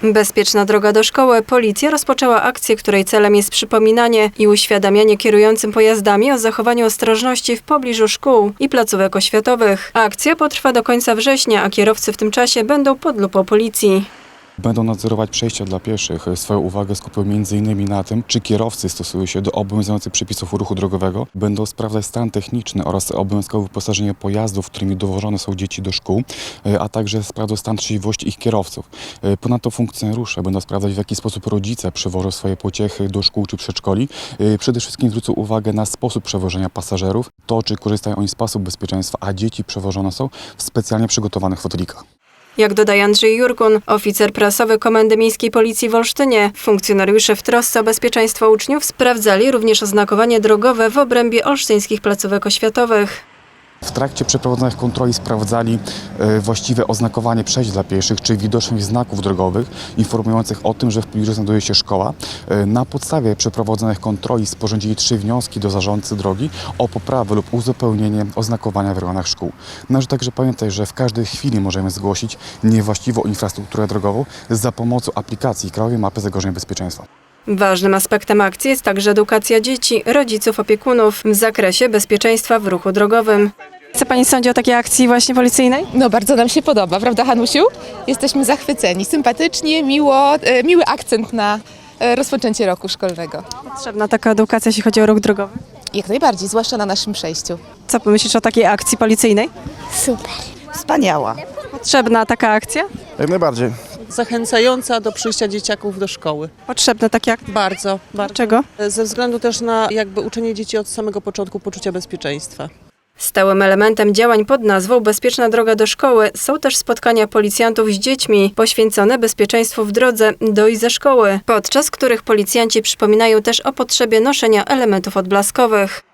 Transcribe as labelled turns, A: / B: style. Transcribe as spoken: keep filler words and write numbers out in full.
A: Bezpieczna droga do szkoły. Policja rozpoczęła akcję, której celem jest przypominanie i uświadamianie kierującym pojazdami o zachowaniu ostrożności w pobliżu szkół i placówek oświatowych. Akcja potrwa do końca września, a kierowcy w tym czasie będą pod lupą policji.
B: Będą nadzorować przejścia dla pieszych. Swoją uwagę skupią między innymi na tym, czy kierowcy stosują się do obowiązujących przepisów ruchu drogowego. Będą sprawdzać stan techniczny oraz obowiązkowe wyposażenie pojazdów, którymi dowożone są dzieci do szkół, a także sprawdzą stan trzeźwości ich kierowców. Ponadto funkcjonariusze będą sprawdzać, w jaki sposób rodzice przewożą swoje pociechy do szkół czy przedszkoli. Przede wszystkim zwrócą uwagę na sposób przewożenia pasażerów, to czy korzystają oni z pasów bezpieczeństwa, a dzieci przewożone są w specjalnie przygotowanych fotelikach.
A: Jak dodaje Andrzej Jurkun, oficer prasowy Komendy Miejskiej Policji w Olsztynie, funkcjonariusze w trosce o bezpieczeństwo uczniów sprawdzali również oznakowanie drogowe w obrębie olsztyńskich placówek oświatowych.
B: W trakcie przeprowadzonych kontroli sprawdzali e, właściwe oznakowanie przejść dla pieszych, czy widoczność znaków drogowych informujących o tym, że w pobliżu znajduje się szkoła. E, na podstawie przeprowadzonych kontroli sporządzili trzy wnioski do zarządcy drogi o poprawę lub uzupełnienie oznakowania w rejonach szkół. Należy także pamiętać, że w każdej chwili możemy zgłosić niewłaściwą infrastrukturę drogową za pomocą aplikacji Krajowej Mapy Zagrożeń Bezpieczeństwa.
A: Ważnym aspektem akcji jest także edukacja dzieci, rodziców, opiekunów w zakresie bezpieczeństwa w ruchu drogowym. Co pani sądzi o takiej akcji właśnie policyjnej?
C: No bardzo nam się podoba, prawda Hanusiu? Jesteśmy zachwyceni, sympatycznie, miło, e, miły akcent na e, rozpoczęcie roku szkolnego.
A: Potrzebna taka edukacja, jeśli chodzi o ruch drogowy.
C: Jak najbardziej, zwłaszcza na naszym przejściu.
A: Co pomyślisz o takiej akcji policyjnej?
D: Super.
E: Wspaniała.
A: Potrzebna taka akcja?
F: Jak najbardziej.
E: Zachęcająca do przyjścia dzieciaków do szkoły.
A: Potrzebne takie akcje.
E: Bardzo, bardzo.
A: Dlaczego?
E: Ze względu też na jakby uczenie dzieci od samego początku poczucia bezpieczeństwa.
A: Stałym elementem działań pod nazwą Bezpieczna droga do szkoły są też spotkania policjantów z dziećmi poświęcone bezpieczeństwu w drodze do i ze szkoły, podczas których policjanci przypominają też o potrzebie noszenia elementów odblaskowych.